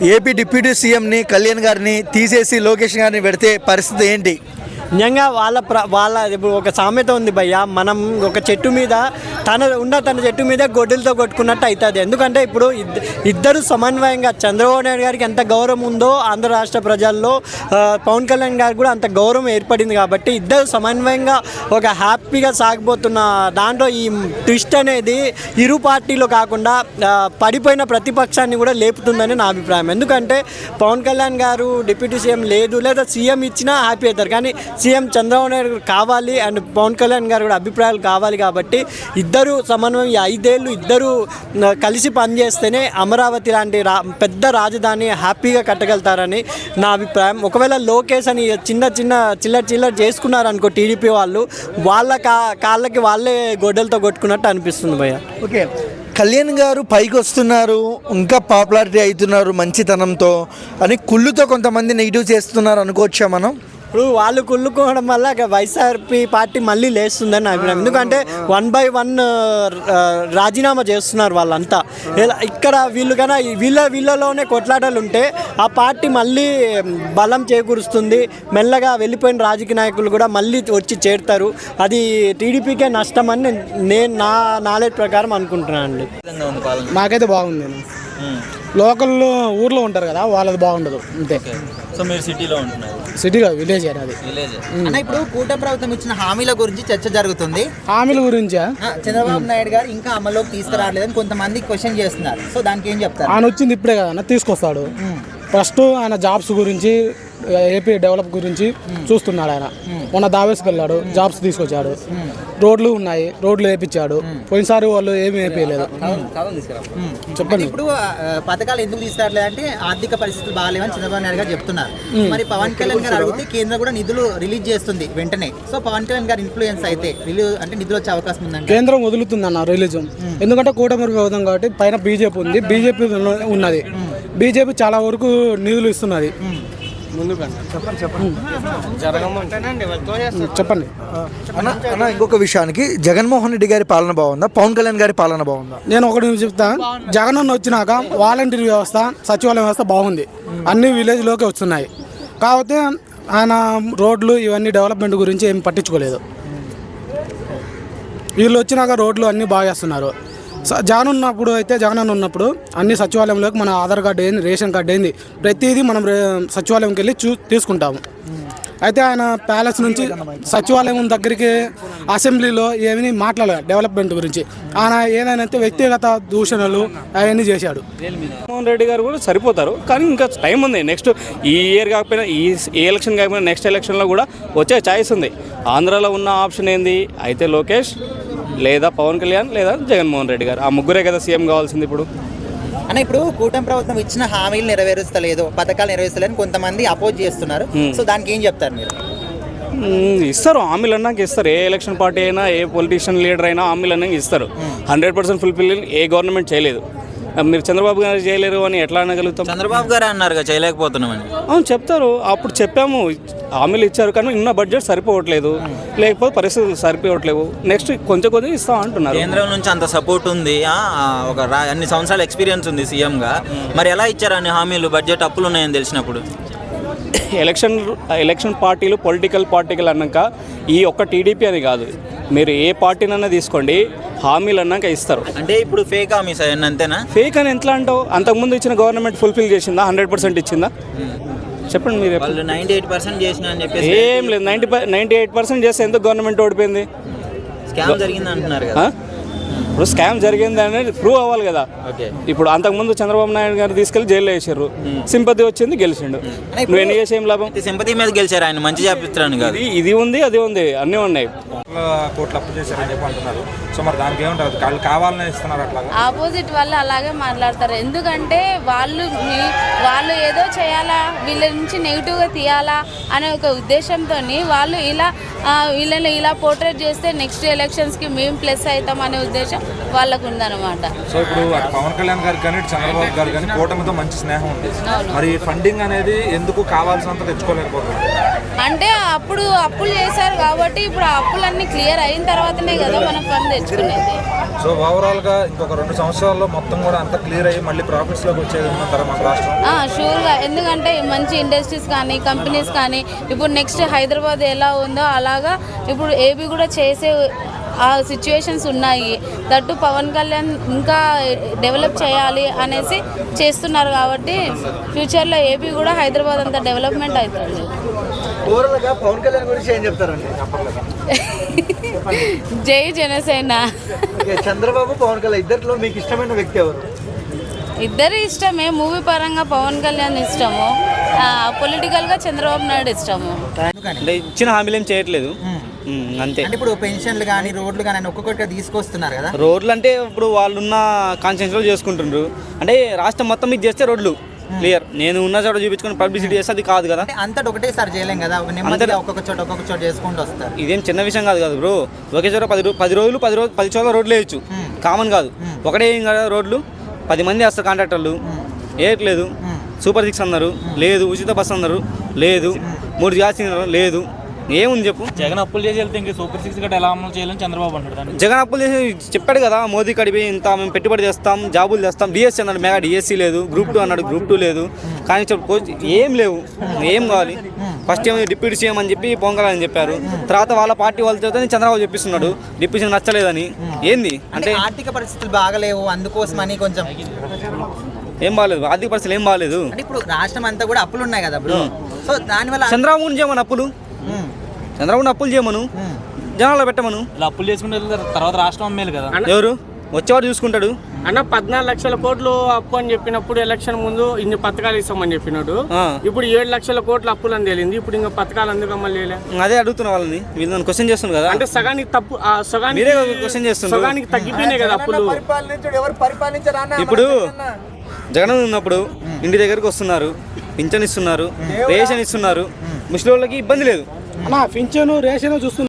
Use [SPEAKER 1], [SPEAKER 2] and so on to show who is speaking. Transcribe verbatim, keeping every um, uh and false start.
[SPEAKER 1] AP deputy సీఎంని కళ్యాణ్ గారిని తీసేసి లోకేష్ గారిని పెడితే పరిస్థితి ఏంటి?
[SPEAKER 2] నిజంగా వాళ్ళ ప్ర వాళ్ళ ఇప్పుడు ఒక సామెత ఉంది భయ్య, మనం ఒక చెట్టు మీద తన ఉన్న తన చెట్టు మీద గొడ్డలతో కొట్టుకున్నట్టు అవుతుంది. ఎందుకంటే ఇప్పుడు ఇద్దరు సమన్వయంగా చంద్రబాబు నాయుడు గారికి ఎంత గౌరవం ఉందో ఆంధ్ర రాష్ట్ర ప్రజల్లో పవన్ కళ్యాణ్ గారికి కూడా అంత గౌరవం ఏర్పడింది. కాబట్టి ఇద్దరు సమన్వయంగా ఒక హ్యాపీగా సాగిపోతున్న దాంట్లో ఈ ట్విస్ట్ అనేది ఇరు పార్టీలు కాకుండా పడిపోయిన ప్రతిపక్షాన్ని కూడా లేపుతుందని నా అభిప్రాయం. ఎందుకంటే పవన్ కళ్యాణ్ గారు డిప్యూటీ సీఎం లేదు, లేదా సీఎం ఇచ్చినా హ్యాపీ అవుతారు, కానీ సీఎం చంద్రబాబు నాయుడు కావాలి అండ్ పవన్ కళ్యాణ్ గారు కూడా అభిప్రాయాలు కావాలి. కాబట్టి ఇద్దరు సమన్వయం ఈ ఐదేళ్ళు ఇద్దరు కలిసి పనిచేస్తేనే అమరావతి లాంటి రా పెద్ద రాజధాని హ్యాపీగా కట్టగలుగుతారని నా అభిప్రాయం. ఒకవేళ లోకేష్ అని చిన్న చిన్న చిల్లర చిల్లర చేసుకున్నారనుకో టీడీపీ వాళ్ళు, వాళ్ళ కా కాళ్ళకి వాళ్ళే గొడ్డలతో కొట్టుకున్నట్టు అనిపిస్తుంది భయ్య.
[SPEAKER 1] ఓకే, కళ్యాణ్ గారు పైకి వస్తున్నారు, ఇంకా పాపులారిటీ అవుతున్నారు మంచితనంతో అని కుళ్ళుతో కొంతమంది నెగిటివ్ చేస్తున్నారు అనుకోవచ్చా మనం?
[SPEAKER 2] ఇప్పుడు వాళ్ళు కుళ్ళుకోవడం వల్ల వైఎస్ఆర్పీ పార్టీ మళ్ళీ లేస్తుందని నా అభిప్రాయం. ఎందుకంటే వన్ బై వన్ రాజీనామా చేస్తున్నారు వాళ్ళంతా. ఇక్కడ వీళ్ళు కన్నా వీళ్ళ వీళ్ళలోనే కొట్లాటలు ఉంటే ఆ పార్టీ మళ్ళీ బలం చేకూరుస్తుంది. మెల్లగా వెళ్ళిపోయిన రాజకీయ నాయకులు కూడా మళ్ళీ వచ్చి చేరుతారు. అది టీడీపీకే నష్టం అని నేను నా నాలెడ్జ్ ప్రకారం అనుకుంటున్నాను అండి.
[SPEAKER 3] నాకైతే బాగుంది. లోకల్లో ఊర్లో ఉంటారు కదా, వాళ్ళది బాగుండదు అంతే.
[SPEAKER 4] సో మీరు సిటీలో ఉంటున్నారు?
[SPEAKER 3] సిటీలో విలేజ్ అది
[SPEAKER 4] విలేజ్. అన్న ఇప్పుడు కూటమి ప్రభుత్వం ఇచ్చిన హామీల గురించి చర్చ జరుగుతుంది.
[SPEAKER 3] హామీల గురించా?
[SPEAKER 4] చంద్రబాబు నాయుడు గారు ఇంకా అమల్లోకి తీసుకురాలేదని కొంతమంది క్వశ్చన్ చేస్తున్నారు. సో దానికి ఏం చెప్తారు?
[SPEAKER 3] ఆయన వచ్చింది ఇప్పుడే కదా, తీసుకొస్తాడు. ఫస్ట్ ఆయన జాబ్స్ గురించి, ఏపీ డెవలప్ గురించి చూస్తున్నాడు. ఆయన మొన్న దావేస్కి వెళ్ళాడు, జాబ్స్ తీసుకొచ్చాడు. రోడ్లు ఉన్నాయి, రోడ్లు వేయించాడు. పోయినసారి వాళ్ళు ఏమి వేయలేదు. చెప్పండి.
[SPEAKER 4] ఇప్పుడు పథకాలు ఎందుకు తీసుకురాలేదు అంటే ఆర్థిక పరిస్థితులు బాగాలేవని చంద్రబాబు నాయుడు గారు చెప్తున్నారు. మరి పవన్ కళ్యాణ్ గారు అడిగితే కేంద్రం కూడా నిధులు రిలీజ్ చేస్తుంది వెంటనే. సో పవన్ కళ్యాణ్ గారు ఇన్ఫ్లుయెన్స్ అయితే రిలీజ్ అంటే నిధులు వచ్చే అవకాశం ఉందండి.
[SPEAKER 3] కేంద్రం వదులుతుంది అన్న రిలీజ్, ఎందుకంటే కూటమి ప్రభుత్వం కాబట్టి పైన బీజేపీ ఉంది, బీజేపీ ఉన్నది. బీజేపీ చాలా వరకు నిధులు ఇస్తున్నది. చెప్పండి
[SPEAKER 1] అన్న, ఇంకొక విషయానికి జగన్మోహన్ రెడ్డి గారి పాలన బాగుందా, పవన్ కళ్యాణ్ గారి పాలన బాగుందా?
[SPEAKER 3] నేను ఒకటి చెప్తా. జగన్ అన్న వచ్చినాక వాలంటీర్ వ్యవస్థ, సచివాలయ వ్యవస్థ బాగుంది, అన్ని విలేజ్లోకి వస్తున్నాయి. కాకపోతే ఆయన రోడ్లు ఇవన్నీ డెవలప్మెంట్ గురించి ఏం పట్టించుకోలేదు. వీళ్ళు వచ్చినాక రోడ్లు అన్నీ బాగా చేస్తున్నారు. జగన్ ఉన్నప్పుడు అయితే జగన్ అన్న ఉన్నప్పుడు అన్ని సచివాలయంలోకి మన ఆధార్ కార్డు ఏంది, రేషన్ కార్డు ఏంది, ప్రతిదీ మనం సచివాలయంకి వెళ్ళి చూ తీసుకుంటాము. అయితే ఆయన ప్యాలెస్ నుంచి సచివాలయం దగ్గరికి అసెంబ్లీలో ఏమీ మాట్లాడలేదు డెవలప్మెంట్ గురించి. ఆయన ఏదైనా వ్యక్తిగత దూషణలు అవన్నీ చేశాడు.
[SPEAKER 5] జగన్మోహన్ రెడ్డి గారు కూడా సరిపోతారు, కానీ ఇంకా టైం ఉంది. నెక్స్ట్ ఈ ఇయర్ కాకపోయినా, ఈ ఏ ఎలక్షన్ కాకపోయినా నెక్స్ట్ ఎలక్షన్లో కూడా వచ్చే ఛాయిస్ ఉంది. ఆంధ్రాలో ఉన్న ఆప్షన్ ఏంది అయితే లోకేష్, లేదా పవన్ కళ్యాణ్, లేదా జగన్మోహన్ రెడ్డి గారు. ఆ ముగ్గురే కదా సీఎం కావాల్సింది ఇప్పుడు.
[SPEAKER 4] అన్న ఇప్పుడు కూటమి ప్రభుత్వం ఇచ్చిన హామీలు నెరవేరుస్తలేదు, పథకాలు నెరవేరుస్తలేదని కొంతమంది అపోజ్ చేస్తున్నారు. సో దానికి ఏం చెప్తారు మీరు?
[SPEAKER 5] ఇస్తారు, హామీలు అన్నాక ఇస్తారు. ఏ ఎలక్షన్ పార్టీ అయినా, ఏ పొలిటీషియన్ లీడర్ అయినా హామీలు అన్నాక ఇస్తారు. హండ్రెడ్ పర్సెంట్ ఫుల్ఫిల్ ఏ గవర్నమెంట్ చేయలేదు. మీరు చంద్రబాబు గారు చేయలేరు అని ఎట్లా అనగలుగుతాం?
[SPEAKER 4] చంద్రబాబు గారు అన్నారు చేయలేకపోతున్నామని.
[SPEAKER 5] అవును చెప్తారు, అప్పుడు చెప్పాము, హామీలు ఇచ్చారు కానీ ఉన్న బడ్జెట్ సరిపోవట్లేదు, లేకపోతే పరిస్థితులు సరిపోవట్లేవు, నెక్స్ట్ కొంచెం కొంచెం ఇస్తాం అంటున్నారు.
[SPEAKER 4] కేంద్రం నుంచి అంత సపోర్ట్ ఉంది, ఒక అన్ని సంవత్సరాల ఎక్స్పీరియన్స్ ఉంది సీఎంగా, మరి ఎలా ఇచ్చారు అన్ని హామీలు? బడ్జెట్ అప్పులు ఉన్నాయని తెలిసినప్పుడు.
[SPEAKER 5] ఎలక్షన్ ఎలక్షన్ పార్టీలు పొలిటికల్ పార్టీలు అన్నాక ఈ ఒక్క టీడీపీ అని కాదు, మీరు ఏ పార్టీనన్నా తీసుకోండి, హామీలు అన్నాక ఇస్తారు.
[SPEAKER 4] అంటే ఇప్పుడు ఫేక్ హామీస్ అవన్నీ అంతేనా?
[SPEAKER 5] ఫేక్ అని ఎట్లా అంటావు? అంతకుముందు ఇచ్చిన గవర్నమెంట్ ఫుల్ఫిల్ చేసిందా? హండ్రెడ్ పర్సెంట్ ఇచ్చిందా? చెప్పండి మీరు.
[SPEAKER 4] వాళ్ళు నైంటీ ఎయిట్ పర్సెంట్ చేసిన అని చెప్పేసి
[SPEAKER 5] ఏం లేదు. నైంటీ నైంటీ ఎయిట్ పర్సెంట్ చేస్తే ఎందుకు గవర్నమెంట్ ఓడిపోయింది?
[SPEAKER 4] స్కామ్ జరిగింది అంటున్నారు కదా.
[SPEAKER 5] ఇప్పుడు స్కామ్ జరిగింది అనేది ప్రూవ్ అవ్వాలి కదా. ఇప్పుడు అంతకుముందు చంద్రబాబు నాయుడు గారు తీసుకెళ్లి జైల్లో వేసారు, సింపతి వచ్చింది, గెలిచిండు. నువ్వు ఎన్ని చేసి ఏం లాభం?
[SPEAKER 4] సింపతి మీద గెలిచారు ఆయన, మంచి చేపిస్తాను కాదు.
[SPEAKER 5] ఇది ఉంది, అది ఉంది, అన్నీ ఉన్నాయి.
[SPEAKER 6] కోట్లు అప్పు చేశారని చెప్పి అంటున్నారు. సో మరి దానికి ఏమంటారు? వాళ్ళు కావాలని ఇస్తున్నారు అట్లా?
[SPEAKER 7] ఆపోజిట్ వాళ్ళు అలాగే మాట్లాడతారు. ఎందుకంటే వాళ్ళు వాళ్ళు ఏదో చేయాలా, వీళ్ళ నుంచి నెగిటివ్గా తీయాలా అనే ఒక ఉద్దేశంతో వాళ్ళు ఇలా వీళ్ళని ఇలా పోర్ట్రేట్ చేస్తే నెక్స్ట్ ఎలక్షన్స్కి మేము ప్లస్ అవుతాం అనే ఉద్దేశం వాళ్ళకు ఉందన్నమాట.
[SPEAKER 6] సో ఇప్పుడు పవన్ కళ్యాణ్ గారికి కానీ చంద్రబాబు గారు కానీ కూటమితో మంచి స్నేహం ఉంది. మరి ఫండింగ్ అనేది ఎందుకు కావాల్సినంత తెచ్చుకోలేకపోతున్నారు?
[SPEAKER 7] అంటే అప్పుడు అప్పులు చేశారు కాబట్టి ఇప్పుడు ఆ అప్పులన్నీ క్లియర్ అయిన తర్వాతనే కదా మనం ఫండ్ తెచ్చుకునేది.
[SPEAKER 6] సో ఓవరాల్గా ఇంకొక రెండు సంవత్సరాల్లో మొత్తం కూడా అంతా క్లియర్ అయ్యి మళ్ళీ ప్రాఫిట్స్లోకి వచ్చేది ఉందంటారా మన రాష్ట్రం?
[SPEAKER 7] షూర్గా, ఎందుకంటే మంచి ఇండస్ట్రీస్ కానీ కంపెనీస్ కానీ ఇప్పుడు నెక్స్ట్ హైదరాబాద్ ఎలా ఉందో అలాగా ఇప్పుడు ఏబీ కూడా చేసే ఆ సిచ్యువేషన్స్ ఉన్నాయి. దట్టు పవన్ కళ్యాణ్ ఇంకా డెవలప్ చేయాలి అనేసి చేస్తున్నారు కాబట్టి ఫ్యూచర్లో ఏపీ కూడా హైదరాబాద్ అంతా డెవలప్మెంట్ అవుతుంది.
[SPEAKER 1] ఓవరాల్గా పవన్ కళ్యాణ్ గురించి ఏం చెప్తారండి?
[SPEAKER 7] జై జనసేన.
[SPEAKER 1] ఓకే, చంద్రబాబు పవన్ కళ్యాణ్ ఇద్దరిలో మీకు ఇష్టమైన వ్యక్తి ఎవరు?
[SPEAKER 7] ఇద్దరు ఇష్టమే. మూవీ పరంగా పవన్ కళ్యాణ్ ఇష్టము, పొలిటికల్గా చంద్రబాబు నాయుడు ఇష్టము.
[SPEAKER 8] అంటే ఇచ్చిన హామీలు ఏం చేయట్లేదు అంతే.
[SPEAKER 4] అంటే ఇప్పుడు పెన్షన్లు కానీ రోడ్లు కానీ ఒక్కొక్కటిగా తీసుకొస్తున్నారు కదా.
[SPEAKER 8] రోడ్లు అంటే ఇప్పుడు వాళ్ళున్న కాన్షియన్స్లో చేసుకుంటుండ్రు. అంటే రాష్ట్రం మొత్తం మీద చేస్తే రోడ్లు క్లియర్, నేను ఉన్న చోట చూపించుకొని పబ్లిసిటీ చేస్తే అది కాదు కదా.
[SPEAKER 4] అంతటి ఒకటేసారి చేయలేం కదా, నెమ్మదిగా ఒక్కొక్క చోట ఒక్కొక్క చోట చేసుకుంటూ వస్తారు.
[SPEAKER 8] ఇదేం చిన్న విషయం కాదు కదా బ్రో. ఒకే చోట పది రో- పది రోజులు పది రోజు పది చోట్ల రోడ్లు వేయచ్చు, కామన్ కాదు. ఒకటే ఏం కదా రోడ్లు, పది మంది వేస్తారు కాంట్రాక్టర్లు, వేయట్లేదు. సూపర్ సిక్స్ అన్నారు లేదు, ఉచిత బస్సు అన్నారు లేదు, మూడు గ్యాస్ సిలిండర్ లేదు, ఏముంది చెప్పు.
[SPEAKER 9] జగన్ అప్పులు చేసి వెళ్తే ఇంకా సూపర్ సిక్స్ గట్రా ఎలా అమలు చేయాలని చంద్రబాబు అంటాడు.
[SPEAKER 8] జగన్ అప్పులు చేసి చెప్పాడు కదా, మోదీ కడిపి ఇంత మేము పెట్టుబడి చేస్తాం, జాబులు చేస్తాం. డిఎస్సీ అన్నాడు, మెగా డిఎస్సీ లేదు. గ్రూప్ టూ అన్నాడు, గ్రూప్ టూ లేదు. కానీ చెప్పు ఏం లేవు, ఏం కావాలి. ఫస్ట్ ఏమో డిప్యూటీ సీఎం అని చెప్పి పవన్ కళ్యాణ్ అని చెప్పారు, తర్వాత వాళ్ళ పార్టీ వాళ్ళతో చంద్రబాబు చెప్పిస్తున్నాడు డిప్యూటీ సీఎం నచ్చలేదని. ఏంది అంటే
[SPEAKER 4] ఆర్థిక పరిస్థితులు బాగలేవు, అందుకోసమని కొంచెం
[SPEAKER 8] ఏం బాగాలేదు, ఆర్థిక పరిస్థితులు ఏం బాగాలేదు.
[SPEAKER 4] అంటే ఇప్పుడు రాష్ట్రం అంతా కూడా అప్పులు ఉన్నాయి కదా బ్రో. సో దానివల్ల
[SPEAKER 8] చంద్రబాబు చేయమను అప్పులు, చంద్రబాబు అప్పులు చేయమను, జనాల్లో పెట్టమను.
[SPEAKER 9] ఇలా అప్పులు చేసుకుంటే తర్వాత రాష్ట్రం అమ్మేలు కదా.
[SPEAKER 8] ఎవరు వచ్చేవాడు చూసుకుంటాడు.
[SPEAKER 10] అన్న పద్నాలుగు లక్షల కోట్లు అప్పు అని చెప్పినప్పుడు ఎలక్షన్ ముందు ఇన్ని పథకాలు ఇస్తామని చెప్పినాడు. ఇప్పుడు ఏడు లక్షల కోట్ల అప్పులు అని తేలింది. ఇప్పుడు ఇంకా పథకాలు అందుకు అమలు చేయలే.
[SPEAKER 8] అదే అడుగుతున్న వాళ్ళని, వీళ్ళని క్వశ్చన్ చేస్తున్నారు కదా.
[SPEAKER 10] అంటే సగానికి తప్పు, ఆ సగానికి
[SPEAKER 8] మీరే క్వశ్చన్ చేస్తున్నారు.
[SPEAKER 10] సగానికి తగ్గిపోయినాయి కదా అప్పులు.
[SPEAKER 8] ఇప్పుడు జగన్ ఉన్నప్పుడు ఇంటి దగ్గరకు వస్తున్నారు, పింఛన్ ఇస్తున్నారు, రేషన్ ఇస్తున్నారు, ముస్లిం వాళ్ళకి ఇబ్బంది లేదు.
[SPEAKER 3] అన్న పింఛను రేషన్ చూస్తున్నారు.